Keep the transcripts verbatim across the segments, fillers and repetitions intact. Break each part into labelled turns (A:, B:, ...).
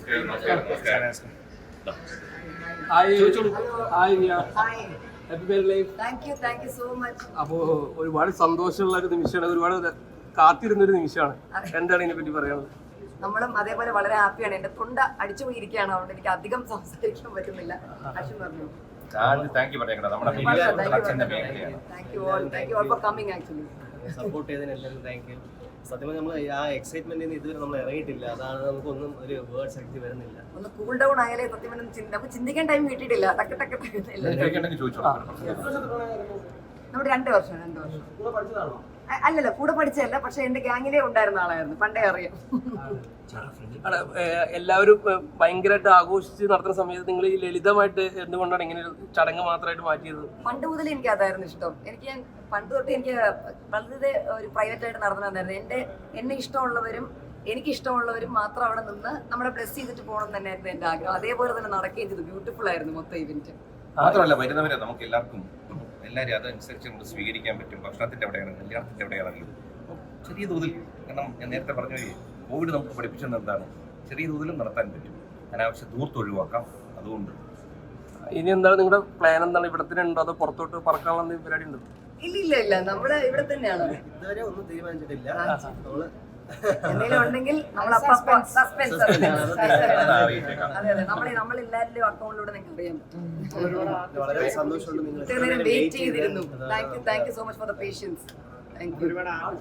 A: അപ്പോ ഒരുപാട് സന്തോഷമുള്ള ഒരു നിമിഷമാണ്, ഒരുപാട് കാത്തിരുന്നൊരു നിമിഷമാണ്. എന്താണ് ഇതിനെ പറ്റി പറയുന്നത്?
B: നമ്മളും അതേപോലെ വളരെ ഹാപ്പിയാണ്. എന്റെ തൊണ്ട അടിച്ചു പോയിരിക്കുകയാണ്, അതുകൊണ്ട് എനിക്ക് അധികം സംസാരിക്കാൻ പറ്റുന്നില്ല. അശ്വിൻ പറഞ്ഞു.
C: സപ്പോർട്ട് ചെയ്തതിന് എല്ലാവരും താങ്ക് യു. സത്യം പറഞ്ഞാൽ നമ്മൾ ആ എക്സൈറ്റ്മെന്റിൽ നിന്ന് ഇതുവരെ നമ്മൾ ഇറങ്ങിയിട്ടില്ല, അതാണ് നമുക്കൊന്നും ഒരു വേർഡ് ശക്തി വരുന്നില്ല.
B: ഒന്ന് കൂൾ ഡൗൺ ആയാലേ സത്യം പറഞ്ഞാൽ നമുക്ക് ചിന്തിക്കാൻ ടൈം കിട്ടിയിട്ടില്ല. ടക്ക് ടക്ക് നമ്മുടെ രണ്ട് വർഷം രണ്ട് വർഷം അല്ലല്ല, കൂടെ പഠിച്ചതല്ല, പക്ഷെ എന്റെ ഗ്യാങ്ങിലേ ഉണ്ടായിരുന്ന ആളായിരുന്നു, പണ്ടേ അറിയാം.
A: എല്ലാവരും ഭയങ്കരമായിട്ട് ആഘോഷിച്ച് നടത്തുന്ന സമയത്ത് നിങ്ങൾ ഈ ലളിതമായിട്ട് എന്തുകൊണ്ടാണ് ഇങ്ങനെ ഒരു ചടങ്ങ് മാത്രമായിട്ട് മാറ്റിയത്?
B: പണ്ട് മുതൽ എനിക്ക് അതായിരുന്നു ഇഷ്ടം. എനിക്ക് ഞാൻ പണ്ട് തൊട്ട് എനിക്ക് വളരെ ഒരു പ്രൈവറ്റ് ആയിട്ട് നടന്നു തന്നായിരുന്നു. എന്റെ എന്നെ ഇഷ്ടമുള്ളവരും എനിക്ക് ഇഷ്ടമുള്ളവരും മാത്രം അവിടെ നിന്ന് നമ്മളെ ബ്ലെസ് ചെയ്തിട്ട് പോകണം തന്നെയായിരുന്നു എന്റെ ആഗ്രഹം. അതേപോലെ തന്നെ നടക്കുകയും ചെയ്തു. ബ്യൂട്ടിഫുൾ ആയിരുന്നു മൊത്തം ഇവന്റ്.
D: മാത്രമല്ല വരുന്നവരെ നമുക്ക് എല്ലാവർക്കും എല്ലാവരും അതനുസരിച്ച് നമുക്ക് സ്വീകരിക്കാൻ പറ്റും. ഭക്ഷണത്തിൻ്റെ എവിടെയാണ്, കല്യാണത്തിൻ്റെ എവിടെയാണെങ്കിലും ചെറിയ തോതിൽ, കാരണം ഞാൻ നേരത്തെ പറഞ്ഞ കോവിഡ് നമുക്ക് പഠിപ്പിച്ചത് എന്താണ്, ചെറിയ തോതിലും നടത്താൻ പറ്റും. അനാവശ്യ ദൂരത്ത് ഒഴിവാക്കാം. അതുകൊണ്ട്
A: ഇനി എന്താണ് നിങ്ങളുടെ പ്ലാൻ? എന്താണ്, ഇവിടെ തന്നെ ഉണ്ടോ അതോ പുറത്തോട്ട് പറക്കാനുള്ള പരിപാടി ഉണ്ടോ?
B: ഇല്ല ഇല്ല ഇല്ല, നമ്മള് ഇവിടെ തന്നെയാണ്.
C: ഇതുവരെ ഒന്നും തീരുമാനിച്ചിട്ടില്ല. നമ്മള്
B: എന്തെങ്കിലും ഉണ്ടെങ്കിൽ നമ്മൾ സസ്പെൻസ്. അതെ അതെ, നമ്മൾ നമ്മളെല്ലാവരുടെയും അക്കൗണ്ടിലൂടെ നിങ്ങൾക്ക് അറിയാൻ പറ്റും.
C: വളരെ സന്തോഷമുണ്ട് നിങ്ങൾ
B: ഇത്രയും നേരം വെയിറ്റ് ചെയ്തിരുന്നു. Thank you thank you so much for the patience. Thank you.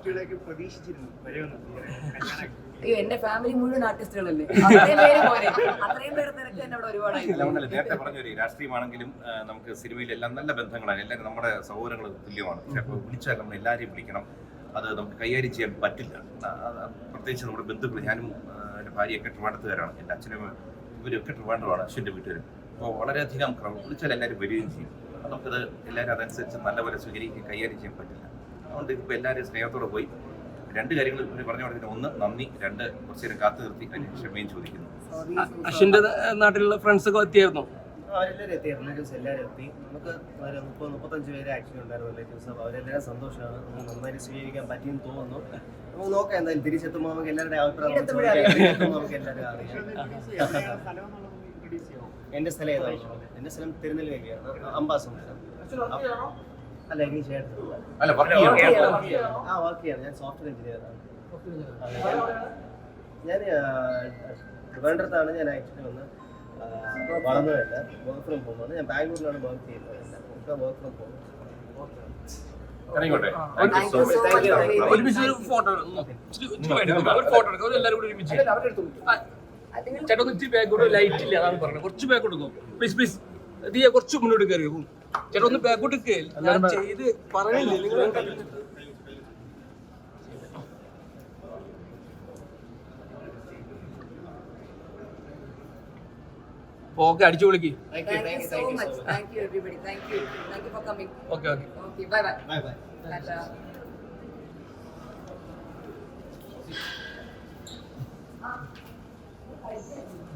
B: അയ്യോ, എന്റെ ഫാമിലി മുഴുവൻ ആർട്ടിസ്റ്റുകളല്ലേ, അത്രയും പേര് പോലെ അത്രയും പേര് തിരക്ക് തന്നെ അവിടെ ഒരുപാടായി.
D: നേരത്തെ പറഞ്ഞൊരു രാഷ്ട്രീയമാണെങ്കിലും നമുക്ക് സിനിമയിലെല്ലാം നല്ല ബന്ധങ്ങളാണ്. എല്ലാവരും നമ്മുടെ സഹോദരങ്ങൾ തുല്യമാണ്. പക്ഷെ അപ്പോൾ വിളിച്ചാൽ നമ്മൾ എല്ലാവരെയും വിളിക്കണം. അത് നമുക്ക് കൈകാര്യം ചെയ്യാൻ പറ്റില്ല. പ്രത്യേകിച്ച് നമ്മുടെ ബന്ധുക്കൾ, ഞാനും എൻ്റെ ഭാര്യയൊക്കെ ട്രിവാൻഡ്രത്തുകാരാണ്. എൻ്റെ അച്ഛനും ഇവരൊക്കെ ട്രിവാൻഡ്രമാണ്, അശ്വിൻ്റെ വീട്ടുകാരും. അപ്പോൾ വളരെയധികം വിളിച്ചാൽ എല്ലാവരും വരികയും ചെയ്യും. നമുക്കത് എല്ലാവരും അതനുസരിച്ച് നല്ലപോലെ സ്വീകരിക്കുകയും കൈകാര്യം ചെയ്യാൻ പറ്റില്ല. അതുകൊണ്ട് ഇപ്പോൾ എല്ലാവരും സ്നേഹത്തോടെ പോയി രണ്ട് കാര്യങ്ങൾ ഇവർ പറഞ്ഞു കൊടുത്തിട്ട്, ഒന്ന് നന്ദി, രണ്ട് കുറച്ച് നേരം കാത്തു നിർത്തി അതിന് ക്ഷമയും ചോദിക്കുന്നു.
A: അശ്വിൻ്റെ നാട്ടിലുള്ള ഫ്രണ്ട്സ് ഒക്കെ എത്തിയായിരുന്നു?
C: അവരെല്ലാവരും എത്തി, റിലേറ്റീവ്സ് എല്ലാവരും എത്തി. നമുക്ക് ഒരു മുപ്പത് മുപ്പത്തഞ്ച് പേര് ആക്ച്വലി ഉണ്ടായിരുന്നു റിലേറ്റീവ്സ്. അപ്പോൾ അവരെല്ലാവരും സന്തോഷമാണ്, നമുക്ക് നന്നായിട്ട് സ്വീകരിക്കാൻ പറ്റിയെന്ന് തോന്നുന്നു. നമുക്ക് നോക്കാം, എന്തായാലും തിരിച്ചെത്തുമ്പോൾ നമുക്ക് എല്ലാവരുടെയും അഭിപ്രായം നമുക്ക് എല്ലാവരും അറിയാം. എൻ്റെ സ്ഥലം ഏതാണോ? എൻ്റെ സ്ഥലം തിരുനെൽവേലിയാണ്, അംബാസമുദ്രം. അല്ല, എനിക്ക് ചേട്ടൻ ആ വർക്ക് ചെയ്യാണ്. ഞാൻ സോഫ്റ്റ്വെയർ എഞ്ചിനീയറാണ്. ഞാൻ ട്രിവാൻഡ്രത്താണ് ഞാൻ ആക്ച്വലി വന്ന് വളർന്നതല്ല, വർക്ക് ഫ്രം ഹോം ആണ്. ഞാൻ ബാംഗ്ലൂരിലാണ് വർക്ക് ചെയ്യുന്നത്. Work from home.
A: ചേട്ടാ ഇച്ചിരി ബാക്കോട്ട് ലൈറ്റ് ഇല്ല, അതാണ് പറഞ്ഞത്. കുറച്ച് ബാക്കോട്ട് പോകും പ്ലീസ് പ്ലീസ്. ദിയ കുറച്ച് മുന്നോട്ട് കയറി പോകും ചേട്ടാ, ഒന്ന് ബാക്കോട്ട് ഞാൻ ചെയ്ത് പറയില്ലേ നിങ്ങൾ. ഓക്കെ, അടിച്ചു വിളിക്ക്.
B: Thank you so much. Thank you everybody. Thank you. Thank you for coming.
A: Okay, okay.
B: Okay, bye bye.
C: Bye bye.
B: Tata.